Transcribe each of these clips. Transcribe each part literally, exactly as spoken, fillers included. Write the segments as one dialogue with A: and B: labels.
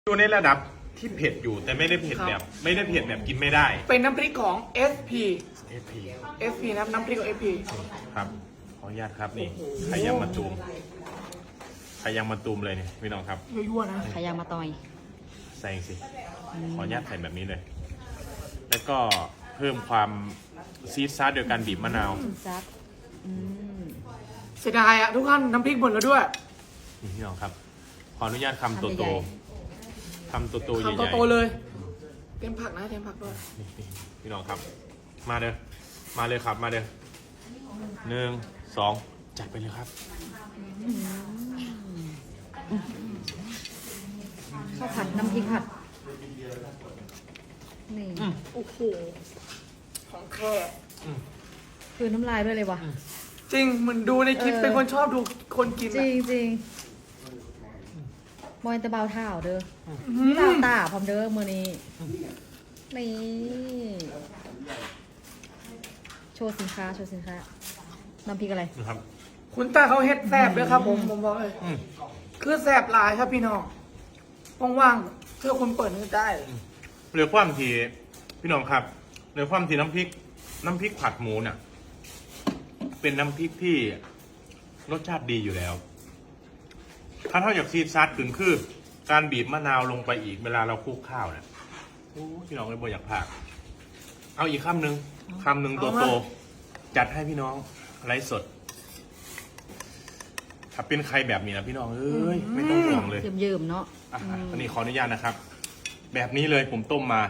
A: อยู่ในระดับที่เผ็ดอยู่แต่ไม่ได้เผ็ดแบบไม่ได้เผ็ดแบบกินไม่ได้
B: เป็นน้ำพริกของ เอส พี
A: เอฟพี
B: เอส พี นะน้ำพริกของ เอส พี
A: ครับขออนุญาตครับนี่ไข่ยังมาตูมไข่ยังมาตูมเลยเนี่ยพี่น้องครับ
B: ยั่วๆนะ
C: ขายางมาต่อย
A: ใส่สิขออนุญาตใส่แบบนี้เลย แล้วก็เพิ่มความซีดซาร์โดยการบีบมะนาว
C: จัดอืม
B: เสียดายอะทุกท่านน้ำพริกหมดแล้วด้วย
A: นี่พี่น้องครับ ขออนุญาตคำโตโตๆคำโตโตๆใหญ่
B: คำ
A: ๆ
B: โตๆเลยเต็มผักนะเต็มผักด้วย
A: นี่พี่น้องครับ มาเด้อมาเลยครับมาเด้อหนึ่งสองจัดไปเลยครับ
C: ข้าวผัดน้ำพริกผัดนี่
B: โอ้โหของแท้
C: คือน้ำลายด้วยเลยวะ
B: จริงเหมือนดูในคลิป
C: เออ
B: เป็นคนชอบดูคนกิน
C: จริ
B: อะ
C: งจริงบอยตะเบาเท้าเด้อ
B: อืม
C: ตาตาพร้อมเด้อมือนี้นี่โชว์สินค้าโชว์สินค้าน้ำพริกอะไร
A: นะครับ
B: คุณตาเขาเฮ็ดแสบเลยครับผมผมบอกเลย
A: อืม
B: คือแสบหลายครับพี่น้องว่างๆเพื่อคุณเปิดมือได้
A: เหลือความทีพี่น้องครับเหลือความทีน้ำพริก น้ำพริกผัดหมูเนี่ยเป็นน้ำพริกที่รสชาติดีอยู่แล้ว ถ้าเท่าจากซีดซัดถึงคือ การบีบมะนาวลงไปอีกเวลาเราคลุกข้าวเนี่ยโอ้พี่น้องเลยบ่อยากพากเอาอีกคำหนึ่งคำหนึ่งตัวโตจัดให้พี่น้องไลฟ์สด ถ้าเป็นใครแบบนี้นะพี่น้องเอ้ยไม่ต้องห่วงเลย
C: เยิ้มๆเนาะ
A: อ่ะ
C: อืม
A: อันนี้ขออนุญาตนะครับ แบบนี้เลยผมต้มมา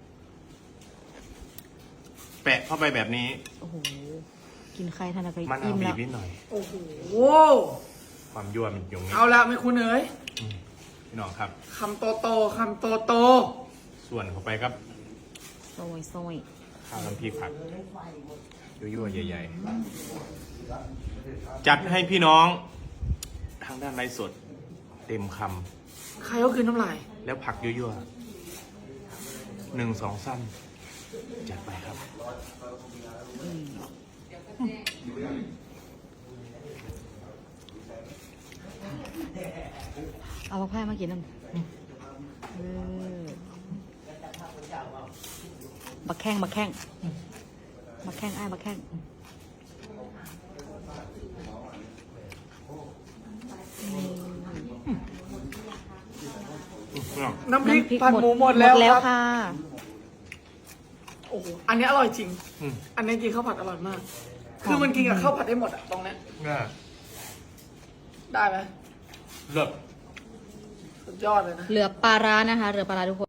A: แปะเข้าไปแบบนี้
C: โอ้โหกินใครทันอะไร
A: มะนาว
C: อิ่ม
A: บี
C: แล้
A: บ
C: ว
A: นิดหน่อย
B: โอ้โห
A: ความยั่วมันอยู่ตรงนี้
B: เอาละไม่คุณเอ๋ย
A: พี่น้องครับ
B: คำโตโตๆคำโตโต
A: ส่วนเข้าไปครับ
C: ซอยซอย
A: ข้าวน้ำพริกผัดยั่วๆใหญ่ๆ จัดให้พี่น้อง ทางด้านไลฟ์สด เต็มค
B: ๆใครก็คือน้ำลาย
A: ำแล้วผักยั่วๆหนึ่งสองสั้นจัดไปครับ
C: เอาผักแพร่มากินนั่นเออบักแข้งบักแข้งบักแข้งอ้ายบักแข้ง
B: น้ำพริกผัดหมูหมดแล้ว
C: แล้ว
B: ครับ
C: ค่ะ
B: โอ้โหอันนี้อร่อยจริง
A: อืม
B: อันนี้กินข้าวผัดอร่อยมาก คือมันกินกับข้าวผัดได้หมดอะตรงเนี้ย
A: น่า
B: ได้ไหม
A: เลิศ
B: สุดยอดเลยนะ
C: เหลือปลาร้านะคะเหลือปลาร้าทุกคน